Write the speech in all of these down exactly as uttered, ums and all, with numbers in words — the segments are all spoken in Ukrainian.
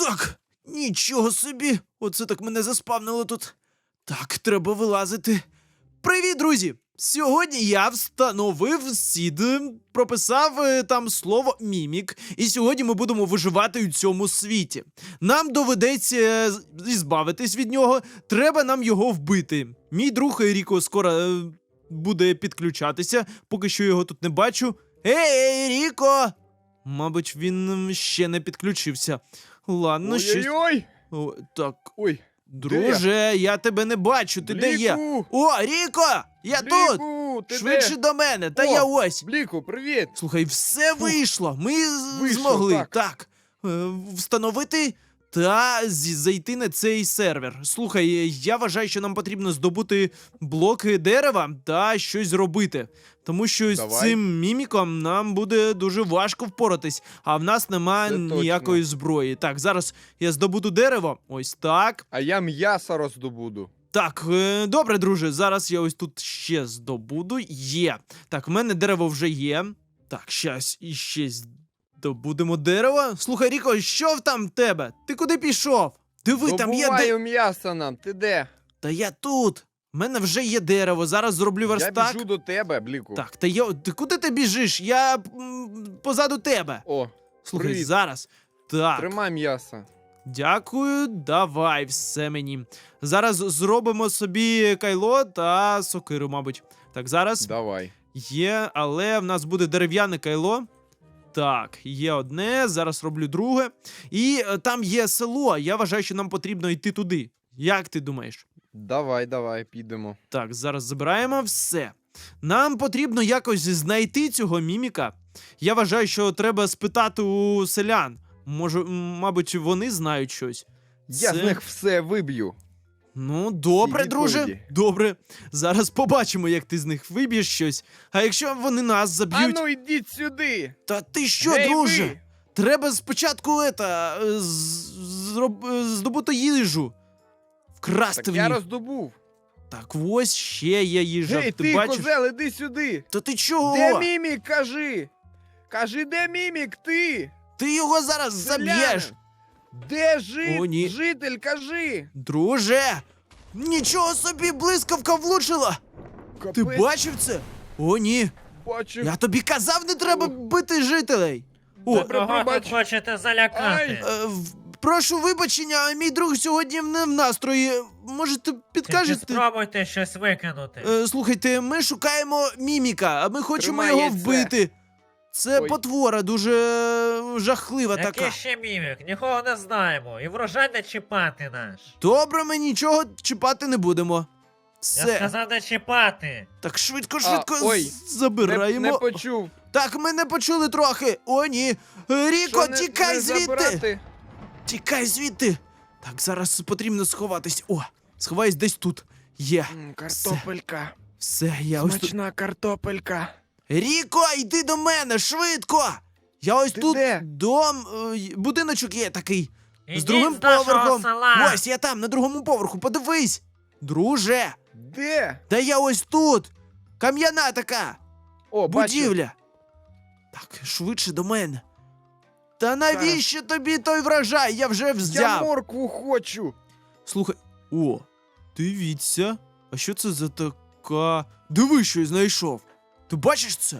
Так, нічого собі. Оце так мене заспавнило тут. Так, треба вилазити. Привіт, друзі! Сьогодні я встановив сід, прописав е, там слово мімік, і сьогодні ми будемо виживати у цьому світі. Нам доведеться е, з- збавитись від нього, треба нам його вбити. Мій друг Ріко скоро е, буде підключатися, поки що його тут не бачу. Ей, Ріко! Мабуть, він м, ще не підключився. Ладно, щось. Ой-ой-ой! О, так, Ой, друже, я тебе не бачу. Ти де є? Бліку! О, Ріко! Я тут! Бліку, ти Швидше де? до мене, та О, я ось. Бліку, привіт! Слухай, все вийшло. Ми з- Вийшло, змогли так. так е, встановити та зі- зайти на цей сервер. Слухай, е, я вважаю, що нам потрібно здобути блоки дерева та щось зробити. Тому що з Давай. цим міміком нам буде дуже важко впоратись, а в нас немає Це ніякої зброї. Так, зараз я здобуду дерево. Ось так. А я м'ясо роздобуду. Так, е, добре, друже, зараз я ось тут ще здобуду. Є. Так, в мене дерево вже є. Так, щас іще здобудемо дерево. Слухай, Ріко, що в там в тебе? Ти куди пішов? Диви, там є де... Добуваю м'ясо нам, ти де? Та я тут. В мене вже є дерево, зараз зроблю Я верстак. біжу до тебе, Бліку. Так, та я... Ти куди ти біжиш? Я м, позаду тебе. О, Слухай, привіт. зараз. Так. тримай м'ясо. Дякую, давай все мені. Зараз зробимо собі кайло та сокиру, мабуть. Так, зараз Давай. є, але в нас буде дерев'яне кайло. Так, є одне, зараз роблю друге. І е, там є село, я вважаю, що нам потрібно йти туди. Як ти думаєш? Давай, давай, підемо. Так, зараз забираємо все. Нам потрібно якось знайти цього міміка. Я вважаю, що треба спитати у селян. Може, м, мабуть, вони знають щось. Я Це- з них все виб'ю. Ну, добре, Всі друже. відповіді. Добре. Зараз побачимо, як ти з них виб'єш щось. А якщо вони нас А заб'ють. ну йдіть сюди! Та ти що, Гей, друже? ви! Треба спочатку ета, е, з- зроб- е, здобути їжу. Вкрасти Так в я них. роздобув. Так ось ще є їжа. Гей, ти, ти, бачиш? козел, іди сюди! Та ти чого? Де мімік, кажи! Кажи, де мімік, ти? Ти його зараз Селянин! заб'єш. Де жит... О, ні. житель, кажи! Друже! Нічого собі, блискавка влучила! Ти Капець, бачив це? О, ні. бачив. Я тобі казав, не треба О. бити жителей. О, Добре, Кого пробач. тут хочете залякати? Ай. Е, в- прошу вибачення, а мій друг сьогодні не в настрої. Можете Тільки підкажете? спробуйте щось викинути. Е, слухайте, ми шукаємо міміка, а ми хочемо його Тримається. вбити. Це Ой. потвора дуже е, жахлива така. Який ще мімік? Нікого не знаємо. І врожай не чіпати наш. Добре, ми нічого чіпати не будемо. Я Все. сказав не чіпати. Так швидко, швидко А, ой, з- забираємо. Не, не почув. Так, ми не почули трохи. О, ні. Е, Ріко, Що, не- тікай не звідти. забирати? Тікай звідти. Так, зараз потрібно сховатись. О, сховаюсь десь тут. Є. М, Картопелька. Все, я ось тут. Смачна картопелька. Ріко, йди до мене, швидко! Я ось Ти тут де? дом, е, й- будиночок є такий. з Ідіть другим з нашого поверхом. села. Ось я там, на другому поверху, подивись. Друже, Де? та я ось тут. Кам'яна така. О, бачу. Будівля. Так, швидше до мене. Та навіщо тобі той врожай? Я вже Я взяв. моркву хочу. Слухай. О, дивіться. А що це за така. Диви, що я знайшов. Ти бачиш це?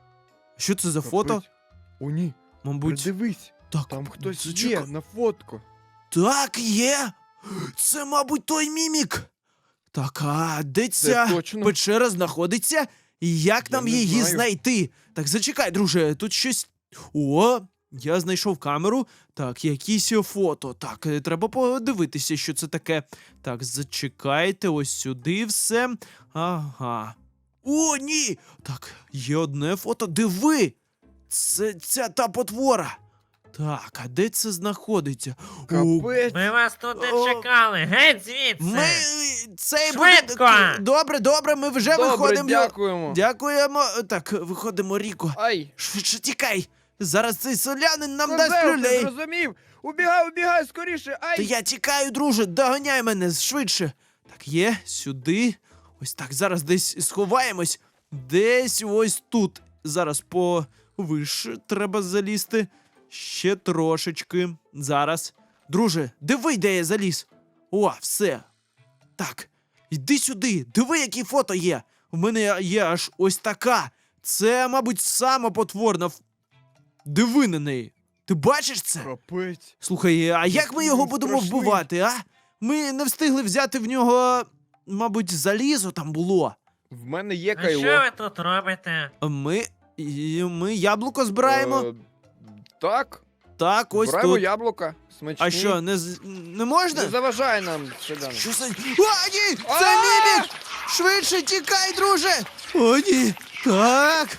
Що це за фото? Капець. О, ні. Мабуть. Придивись. Так, Там хтось зачекай. є на фотку. Так, є. Це, мабуть, той мімік. Так, а де Це ця точно. печера знаходиться? І як Я нам не її знаю. знайти? Так, зачекай, друже, тут щось. О, я знайшов камеру. Так, якісь фото. Так, е, треба подивитися, що це таке. Так, зачекайте, ось сюди все. Ага. О, ні! Так, є одне фото. Диви! Це ця та потвора. Так, а де це знаходиться? О, Капець. Ми вас тут не О. чекали. Геть звідси. ми цей Швидко! будинок- Добре, добре, ми вже Добре, виходимо. дякуємо. Дякуємо. Так, виходимо, Ріко. Ай. Швидше тікай. Зараз цей селянин нам Козел, дасть ти люлей. зрозумів? Убігай, убігай, скоріше. Ай. Та я тікаю, друже, доганяй мене швидше. Так, є, сюди. Ось так, зараз десь сховаємось. Десь ось тут. Зараз повише треба залізти. Ще трошечки. Зараз. Друже, диви, де я заліз. О, все. Так, йди сюди, диви, які фото є. У мене є аж ось така. Це, мабуть, сама потворна. ф- Диви на неї. Ти бачиш це? Капець. Слухай, а як ми його він будемо страшний. вбивати, а? Ми не встигли взяти в нього, мабуть, залізо там було. В мене є А що кайло. ви тут робите? А Ми, і ми яблуко збираємо. Е, так, Так, ось збираємо тут. яблука. Смачні. А що, не, з- не можна? Не заважай нам, Седан. Що це? О, ні! Це А! мімік! Швидше тікай, друже! О, ні! Так!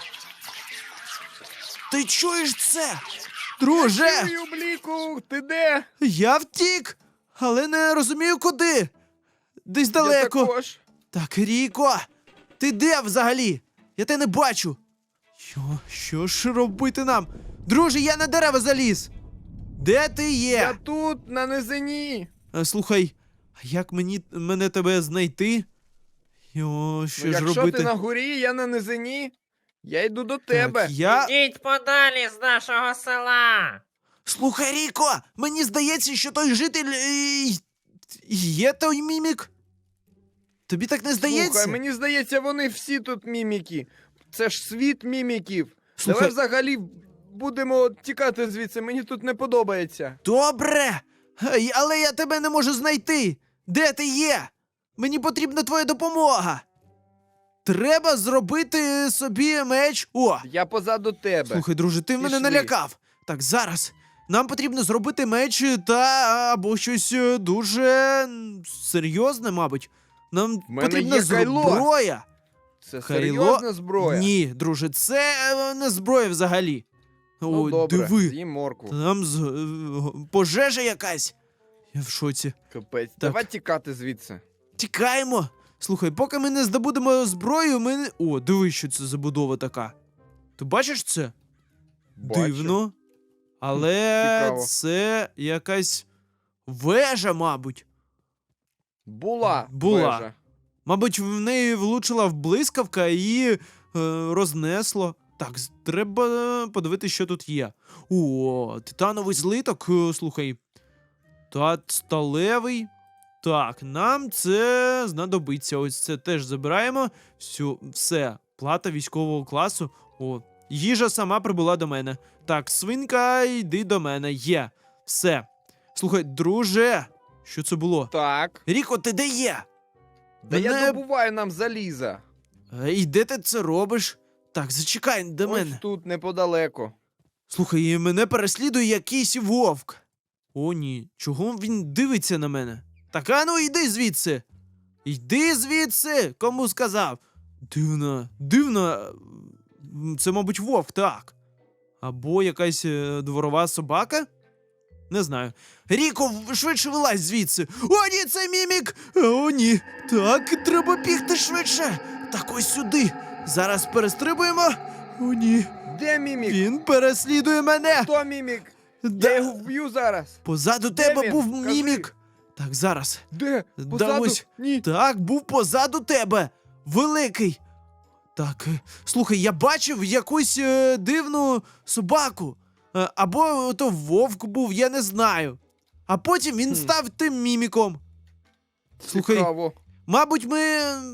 Ти чуєш це? Друже! Чую, Бліку, ти де? Я втік, але не розумію куди. Десь Я далеко. також. Так, Ріко, ти де взагалі? Я тебе не бачу. Що, що ж робити нам? Друже, я на дерева заліз. Де ти є? Я тут, на низині. Е, Слухай, а як мені мене тебе знайти? Йо, що Ну, ж якщо робити? ти на горі, я на низині. Я йду до тебе. Так, я... Ідіть подалі з нашого села. Слухай, Ріко, мені здається, що той житель е, є той мімік. Тобі так не здається? Слухай, мені здається, вони всі тут міміки. Це ж світ міміків. Слухай- Давай взагалі будемо тікати звідси, мені тут не подобається. Добре, Ей, але я тебе не можу знайти. Де ти є? Мені потрібна твоя допомога. Треба зробити собі меч. О, Я позаду тебе. слухай, друже, ти мене Пішли. налякав. Так, зараз. Нам потрібно зробити меч та або щось е, дуже м, серйозне, мабуть. Нам В мене потрібна є кайло. зброя. Це Хайло- серйозна зброя. Ні, друже, це е, не зброя взагалі. Ну О, добре, диви. з'їм моркву. Там з... е, пожежа якась. Я в шоці. Капець. Давай тікати звідси. Тікаємо. Слухай, поки ми не здобудемо зброю, ми не. О, диви, що це за будова така. Ти бачиш це? Бачу. Дивно. Але цікаво. це якась вежа, мабуть. Була. Була. вежа. Мабуть, в неї влучила блискавка і її е, рознесло. Так, з- треба подивитися, що тут є. О, титановий злиток, е, слухай. Та сталевий. Так, нам це знадобиться. Ось це теж забираємо. Всю, все, плата військового класу. О, їжа сама прибула до мене. Так, свинка, йди до мене. Є. Все. Слухай, друже, що це було? Так. Ріко, ти де є? Да я Мене- добуваю нам заліза. Е, І де ти це робиш? Так, зачекай до Ось мене. тут, неподалеку. Слухай, і мене переслідує якийсь вовк. О, ні, чого він дивиться на мене? Так, а ну йди звідси. Йди звідси, кому сказав. Дивно, дивно. М, Це, мабуть, вовк, так. Або якась е, дворова собака? Не знаю. Ріко, в- швидше вилазь звідси. О, ні, це мімік! О, ні. Так, треба бігти швидше. Так, ось сюди. Зараз перестрибуємо. О, ні. Де мімік? Він переслідує мене. Хто мімік? Да. Я його вб'ю зараз. Позаду Де тебе він? був Кажи. мімік. Так, зараз. Де? Да Позаду? ось. Ні. Так, був позаду тебе. Великий. Так, е, слухай, я бачив якусь е, дивну собаку. Е, або то вовк був, я не знаю. А потім він Хм. став тим міміком. Слухай, Цікаво. мабуть, ми м,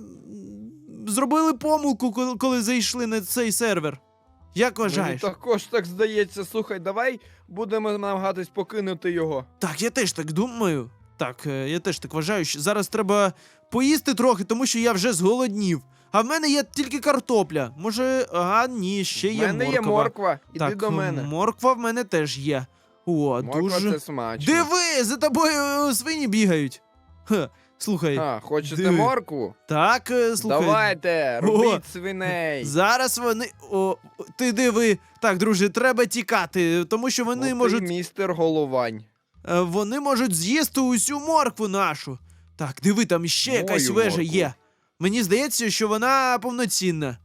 зробили помилку, коли, коли зайшли на цей сервер. Як Мені вважаєш? також так здається. Слухай, давай будемо намагатись покинути його. Так, я теж так думаю. Так, е, я теж так вважаю, що зараз треба поїсти трохи, тому що я вже зголоднів. А в мене є тільки картопля. Може, а ні, ще В є мене морква. є морква. Іди Так, до мене. морква в мене теж є. О, Морква дуже. це смачно. Диви, за тобою е, свині бігають. Ха, слухай, А, хочете диви. моркву? так, е, слухай. Давайте, О, робіть свиней. Зараз вони. О, ти диви. Так, друже, треба тікати, тому що вони От і можуть. містер Головань. Е, Вони можуть з'їсти усю моркву нашу. Так, диви, там ще Мою якась вежа моркву. є. Мені здається, що вона повноцінна.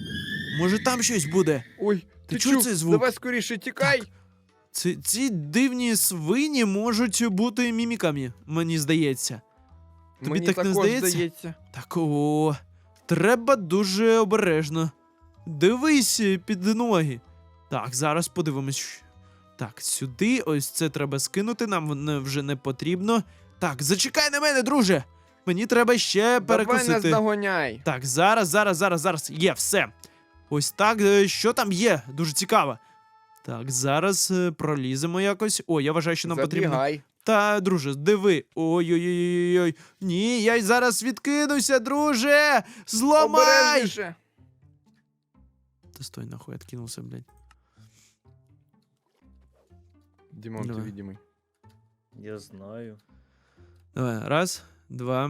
Може, там щось буде. Ой, Ти ти чув чув? цей звук? Давай скоріше тікай. Ці, ці дивні свині можуть бути міміками, мені здається. Тобі Мені так не також здається? здається. Так, о, треба дуже обережно. Дивись під ноги. Так, зараз подивимось. Так, сюди, ось це треба скинути, нам воно вже не потрібно. Так, зачекай на мене, друже! Мені треба ще Давай нас перекусити. догоняй. Так, зараз, зараз, зараз, зараз. Є, все. Ось так, е, що там є? Дуже цікаво. Так, зараз е, проліземо якось. О, я вважаю, що нам потрібно. Забігай. Та, друже, диви. Ой-ой-ой-ой. Ні, я й зараз відкинуся, друже! Зламай! Обережніше. Та стой, нахуй, откинулся, блядь. Дімон, ти Давай. відімий. Я знаю. Давай, раз, два,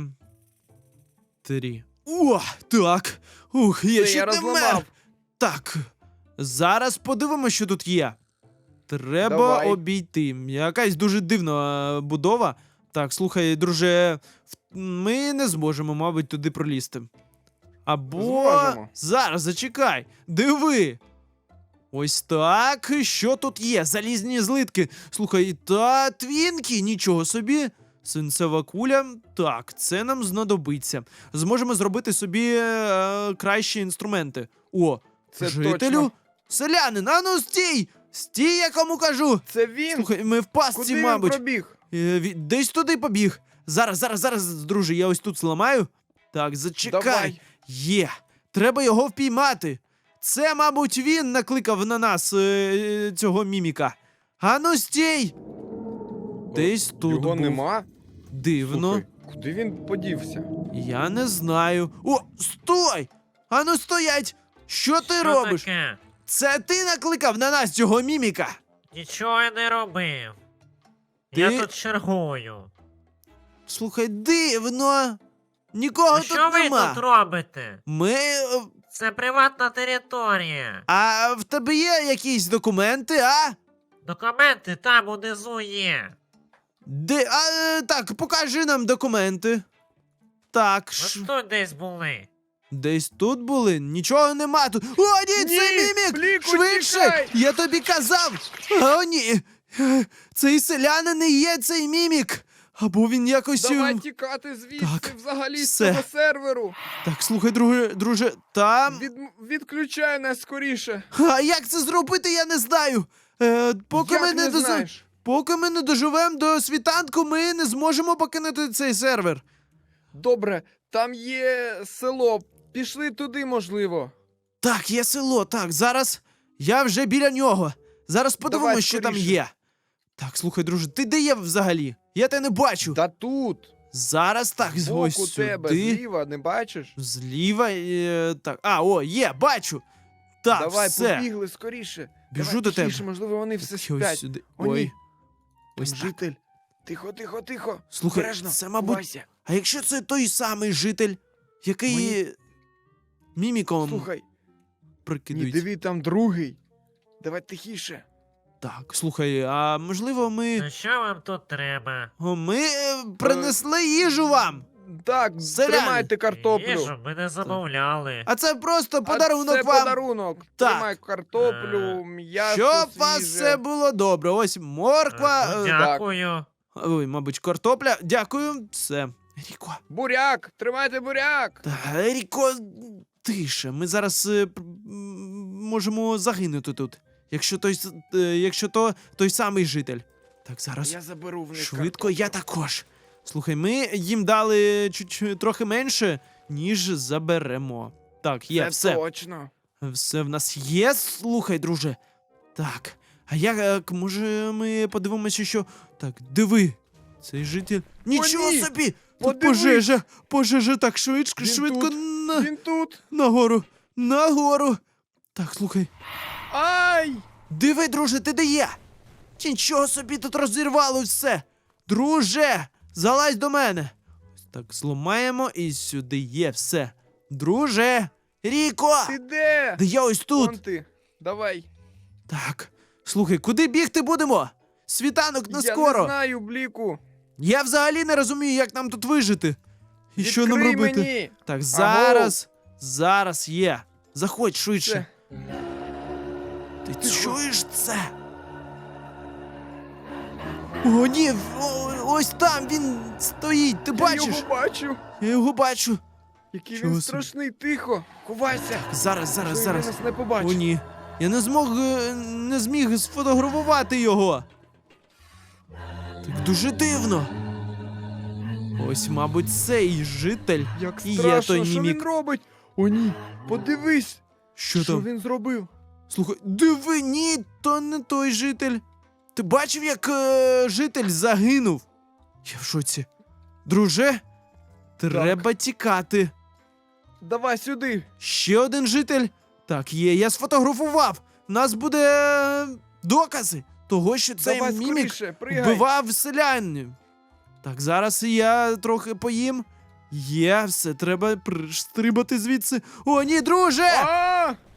три. О, так. Ух, я Все, ще я не розламав. мер. Так, зараз подивимося, що тут є. Треба Давай. обійти. Якась дуже дивна е, будова. Так, слухай, друже, в- ми не зможемо, мабуть, туди пролізти. Або Зможемо. зараз зачекай. Диви. Ось так. Що тут є? Залізні злитки. Слухай, та твінки, нічого собі. Свинцева куля. Так, це нам знадобиться. Зможемо зробити собі е, кращі інструменти. О, Це жителю. точно. Селянин, а ну стій! Стій, я кому кажу! Це він. Слухай, ми в пастці, Куди він мабуть. пробіг? Е, ві- Десь туди побіг. Зараз, зараз, зараз, друже, я ось тут зламаю. Так, зачекай. Давай. Є. Треба його впіймати. Це, мабуть, він накликав на нас е, е, цього міміка. Ану, стій! Десь тут Його був. нема? Дивно. Слухай, куди він подівся? Я не знаю. О, стой! Ану, стоять! Що ти Що робиш? таке? Це ти накликав на нас цього міміка? Нічого я не робив. Ти- Я тут чергую. Слухай, дивно. Нікого А тут що ви нема. тут робите? Ми. е, Це приватна територія. А в тебе є якісь документи, а? Документи там унизу є. Де. А, е, так, покажи нам документи. Так, Ось ш... тут десь були. десь тут були? Нічого нема тут. О, ні, це Ні, мімік! Бліку, Швидше! тікай! Я тобі казав! О, ні! Е, Цей селянин не є цей мімік! Або він якось. е, Давай тікати звідси Так, взагалі з все. цього серверу. Так, слухай, друже, друже, там. Від... Відключай нас скоріше. А як це зробити, я не знаю. Е, поки Як ми не, не доза- знаєш? Поки ми не доживемо до світанку, ми не зможемо покинути цей сервер. Добре, там є село. Пішли туди, можливо. Так, є село, так, зараз я вже біля нього. Зараз подивимось, Давай що там скоріше. є. Так, слухай, друже, ти де є взагалі? Я тебе не бачу. Та тут. Зараз так, ось Збоку тебе, сюди. зліва, не бачиш? Зліва, е, так. А, о, є, бачу. Так, Давай, все. побігли скоріше. Біжу Давай, до тебе. тихіше, можливо, вони все Так, ось сплять. сюди. О, ні. Ой. Там Ось так. житель. Тихо, тихо, тихо. Слухай, Обережно, це, мабуть, ховайся. А якщо це той самий житель, який Мені- міміком Слухай, ні, прикидується? диви, там другий. Давай тихіше. Так, слухай, а можливо ми. Ну що вам тут треба? О, ми е, принесли їжу вам. Так, Селяни. тримайте картоплю. Їжу ми не замовляли. А це просто А подарунок це вам. подарунок. Так. Тримай картоплю, м'ясо Щоб у вас свіже. все було добре. Ось морква. Е, ну, е, Дякую. Ой, мабуть, картопля. Дякую. Все. Ріко. Буряк, тримайте буряк. Та, Ріко, тише. Ми зараз е, п- м, можемо загинути тут. Якщо той, с- е, якщо то той самий житель. Так, зараз. Я заберу в них Швидко, я картоплю. також. Слухай, ми їм дали чуть трохи менше, ніж заберемо. Так, є, Це все. точно. Все в нас є. Слухай, друже. Так. А як, може, ми подивимося, що. Так, диви. Цей житель. Нічого ні! собі! Тут Подивись! пожежа! Пожежа так швидко, Він швидко тут. на... Він тут. нагору. Нагору. Так, слухай. Ай! Диви, друже, ти де є? Нічого собі тут розірвало все. Друже, залазь до мене. Ось так зламаємо і сюди є все. Друже, Ріко! Ти де? Да я ось тут. Вон ти. Давай. Так, слухай, куди бігти будемо? Світанок не Я скоро. не знаю, Бліку. Я взагалі не розумію, як нам тут вижити. І що нам Відкрий робити? мені. Так, зараз, зараз є. Заходь швидше. Це. Ти Тихо. чуєш це? О, ні, о, ось там він стоїть, ти Я бачиш? його бачу. Я його бачу. Який Чого він собі. страшний, тихо. Ховайся. Зараз, зараз, Щоб зараз. він нас не побачив. О, ні. Я не змог е, не зміг сфотографувати його. Так дуже дивно. Ось, мабуть, цей житель Як і є страшно, той що мімік. він робить? О, ні, подивись, Що що там? він зробив. Слухай, диви, ні, то не той житель. Ти бачив, як е, житель загинув? Я в шоці. Друже, треба тікати. Давай сюди. Ще один житель. Так, є, я сфотографував. У нас буде е, докази того, що цей Давай мімік скоріше, пригай. вбивав селянів. Так, зараз я трохи поїм. Є, все, треба стрибати звідси. О, ні, друже! А!